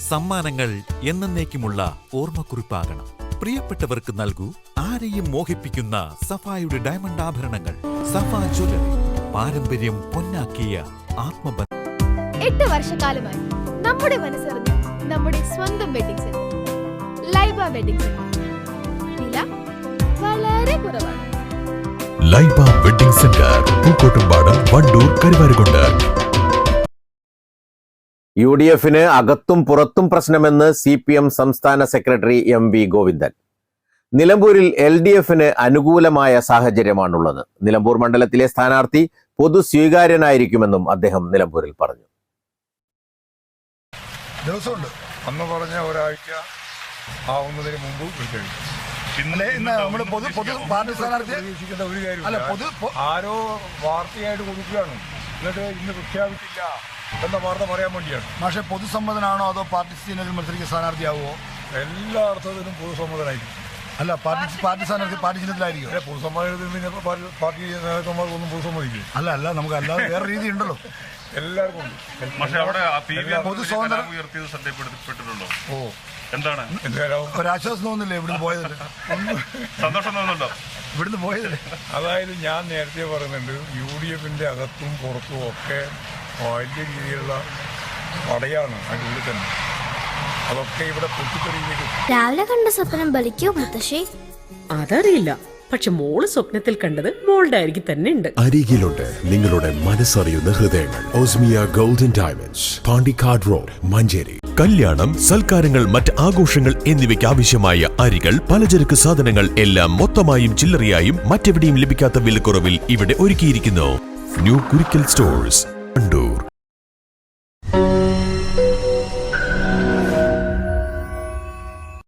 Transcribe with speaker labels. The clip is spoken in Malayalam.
Speaker 1: സമ്മാനങ്ങൾ എന്നേക്കുമുള്ള ഓർമ്മക്കുറിപ്പാകണം. പ്രിയപ്പെട്ടവർക്ക് നൽകൂ ആരെയും മോഹിപ്പിക്കുന്ന സഫായുടെ ഡയമണ്ട് ആഭരണങ്ങൾ. സഫ ജ്വല്ലറി, പാരമ്പര്യം പൊന്നാക്കിയ ആത്മബന്ധം.
Speaker 2: 8 വർഷക്കാലമായി നമ്മുടെ മനസ്സറിഞ്ഞ നമ്മുടെ സ്വന്തം wedding centre Laiba wedding centre. വില വളരെ കുറവാണ്.
Speaker 3: Laiba wedding centre, Pookkottumpadam, Wandoor, Karuvarakundu.
Speaker 4: UDF-ന് അകത്തും പുറത്തും പ്രശ്നമെന്ന് CPM സംസ്ഥാന സെക്രട്ടറി MV ഗോവിന്ദൻ. നിലമ്പൂരിൽ LDF-ന് അനുകൂലമായ സാഹചര്യമാണുള്ളത്. നിലമ്പൂർ മണ്ഡലത്തിലെ സ്ഥാനാർത്ഥി പൊതു സ്വീകാര്യനായിരിക്കുമെന്നും അദ്ദേഹം നിലമ്പൂരിൽ പറഞ്ഞു.
Speaker 5: ദിവസമുണ്ട് അന്ന് പറഞ്ഞ ഒരാഴ്ച ആവുന്നതിന് മുമ്പ് പിന്നെ നമ്മൾ പൊതു പാർട്ടി സ്ഥാനാർത്ഥി പ്രതീക്ഷിക്കേണ്ട ഒരു കാര്യം ആരോ വാർത്തയായിട്ട് കൊടുക്കുകയാണ്, എന്നിട്ട് ഇന്ന് പ്രഖ്യാപിച്ചില്ല എന്ന വാർത്ത പറയാൻ വേണ്ടിയാണ്. പക്ഷേ പൊതുസമ്മതനാണോ അതോ പാർട്ടി സീനിയറിൽ മത്സരിക്കുന്ന സ്ഥാനാർത്ഥിയാവുമോ? എല്ലാ അർത്ഥത്തിലും പൊതുസമ്മതനായിരിക്കും. അല്ല, പാർട്ടി സ്ഥാനാർത്ഥി പാർട്ടി ചിഹ്നത്തിലായിരിക്കും. പൊതുസമ്മതത്തിൽ പാർട്ടി നേതാക്കന്മാർക്കൊന്നും പൊതുസമ്മതിക്കും. അല്ല നമുക്ക് അല്ലാതെ വേറെ രീതി ഉണ്ടല്ലോ, എല്ലാവർക്കും ഒരാശ്വാസം തോന്നുന്നില്ലേ ഇവിടുന്ന് പോയതല്ലേ? സന്തോഷം തോന്നുന്നുണ്ടോ ഇവിടുന്ന് പോയതല്ലേ? അതായത് ഞാൻ നേരത്തെ പറയുന്നുണ്ട്, UDF-ന്റെ അകത്തും പുറത്തും ഒക്കെ വലിയ രീതിയിലുള്ള പടയാണ് അതിൻ്റെ ഉള്ളിൽ തന്നെ. അതൊക്കെ ഇവിടെ പൊട്ടിത്തെറിയിലേക്ക്.
Speaker 6: രാവിലെ കണ്ട സ്വപ്നം ബലിക്കോ മുത്തശ്ശി?
Speaker 7: അതറിയില്ല, പക്ഷെ മോള് സ്വപ്നത്തിൽ കണ്ടത് മോളുടെ അരികിൽ തന്നെ ഉണ്ട്.
Speaker 3: അരികിലുണ്ട് നിങ്ങളുടെ മനസ്സറിയുന്ന ഹൃദയങ്ങൾ. Osmia golden diamonds, Pandikkad road, Manjeri. കല്യാണം, സൽക്കാരങ്ങൾ, മറ്റ് ആഘോഷങ്ങൾ എന്നിവയ്ക്ക് ആവശ്യമായ അരികൾ, പലചരക്ക് സാധനങ്ങൾ എല്ലാം മൊത്തമായും ചില്ലറയായും മറ്റെവിടെയും ലഭിക്കാത്ത വിലക്കുറവിൽ ഇവിടെ ഒരുക്കിയിരിക്കുന്നു. New Kurikkal stores, Wandoor.